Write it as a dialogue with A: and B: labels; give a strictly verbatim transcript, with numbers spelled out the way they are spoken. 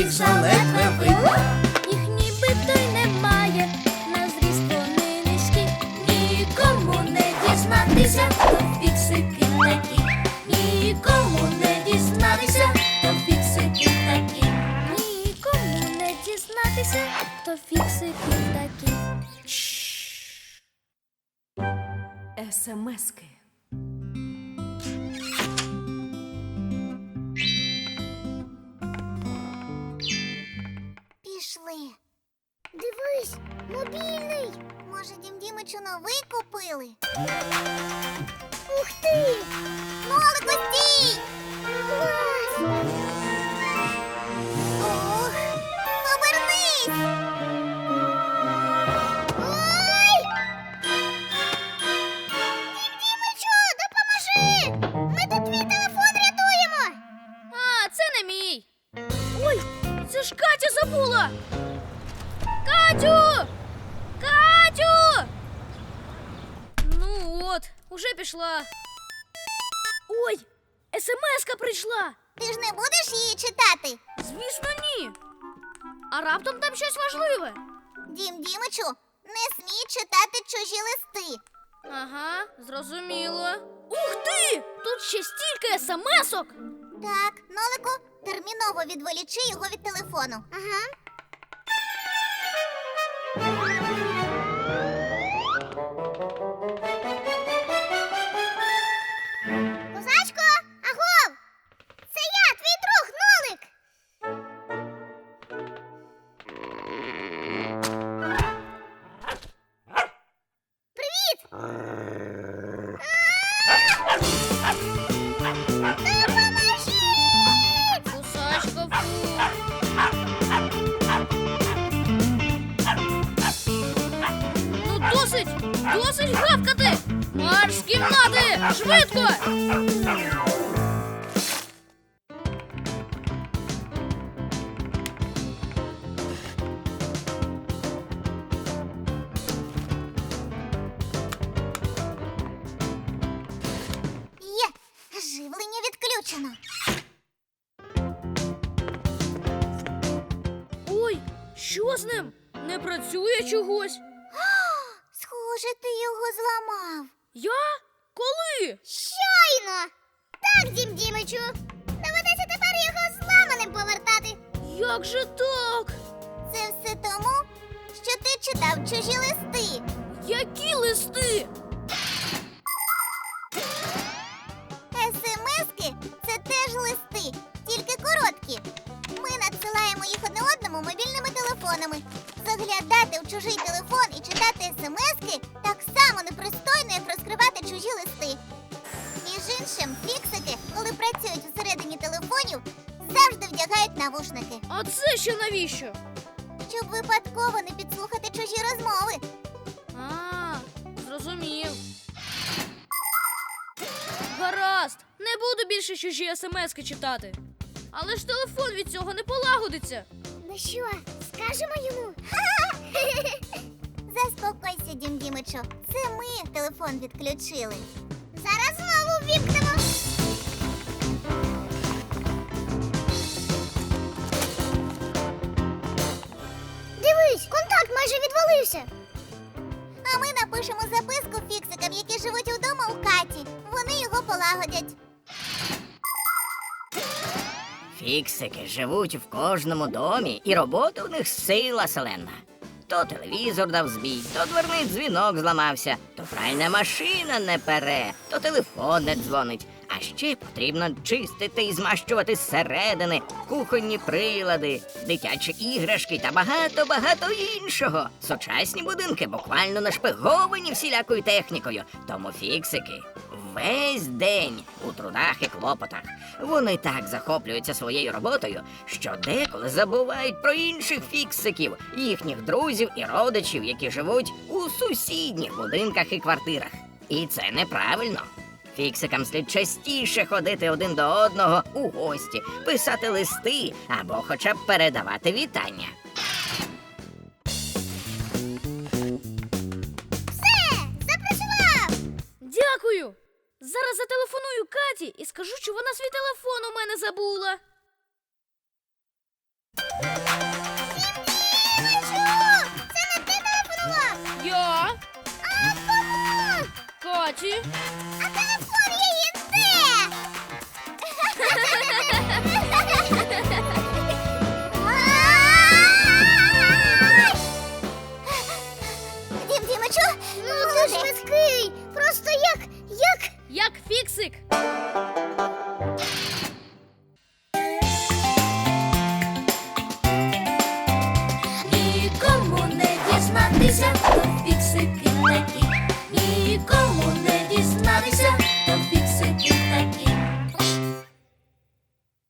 A: їх заледве видно.
B: Їх нібито й немає, на зріст вони низькі.
A: Нікому не дізнатися, то фіксики такі. Нікому не дізнатися, то фіксики такі.
B: Нікому не дізнатися, то фіксики такі.
C: Есемески.
D: Пішли. Дивись, мобільний. Може, Дім Дімичу новий купили? Ух ти! Нолику, стій! Клас! Ох, обернись! Ой! Дім Дімичу, допоможи! Ми тут твій телефон рятуємо!
B: А, це не мій. Ой, це ж Катя забула. Катю! Катю! Ну от, уже пішла. Ой, смс-ка прийшла.
D: Ти ж не будеш її читати?
B: Звісно, ні. А раптом там щось важливе.
D: Дім Дімичу, не смій читати чужі листи.
B: Ага, зрозуміло. Ух ти! Тут ще стільки смс-ок.
D: Так, Нолику, терміново відволічи його від телефону. Ага. Козачко, агов! Це я, твій друг, Нолик! Привіт! Допоможіть!
B: Кусачко, фу. Ну досить! Досить гавкати! Марш з кімнати! Швидко!
D: Є! Живлення відключено.
B: Ой, що з ним? Не працює чогось?
D: Схоже, ти його зламав.
B: Я? Коли?
D: Щойно! Так, Дім Дімичу. Доведеться тепер його зламаним повертати.
B: Як же так?
D: Це все тому, що ти читав чужі листи.
B: Які листи?
D: Есемески – це теж листи, тільки короткі. Ми надсилаємо їх одне одному мобільними телефонами. Заглядати в чужий телефон і читати есемески так само непристойно, як розкривати чужі листи. Між іншим, фіксики, коли працюють всередині телефонів, завжди вдягають навушники,
B: А це ще навіщо?
D: щоб випадково не підслухати чужі розмови.
B: А, зрозумів. Гаразд, не буду більше чужі смски читати. Але ж телефон від цього не полагодиться.
D: Ну що, скажемо йому? Заспокойся, Дім Дімичу. Це ми телефон відключили. Зараз знову ввімкнемо. Дивись, контакт майже відвалився. А ми напишемо записку фіксикам, які живуть удома у Каті. Вони його полагодять.
E: Фіксики живуть в кожному домі, і робота у них сила селена. То телевізор дав збій, то дверний дзвінок зламався, то пральна машина не пере, то телефон не дзвонить. А ще потрібно чистити і змащувати зсередини, кухонні прилади, дитячі іграшки та багато-багато іншого. Сучасні будинки буквально нашпиговані всілякою технікою, тому фіксики весь день у трудах і клопотах. Вони так захоплюються своєю роботою, що деколи забувають про інших фіксиків, їхніх друзів і родичів, які живуть у сусідніх будинках і квартирах. І це неправильно. Фіксикам слід частіше ходити один до одного у гості, писати листи або хоча б передавати вітання.
D: Все, запрацював!
B: Дякую! Зараз зателефоную Каті і скажу, що вона свій телефон у мене забула.
D: Дімичу! Це не ти телефонував?
B: Я?
D: А кому?
B: Каті?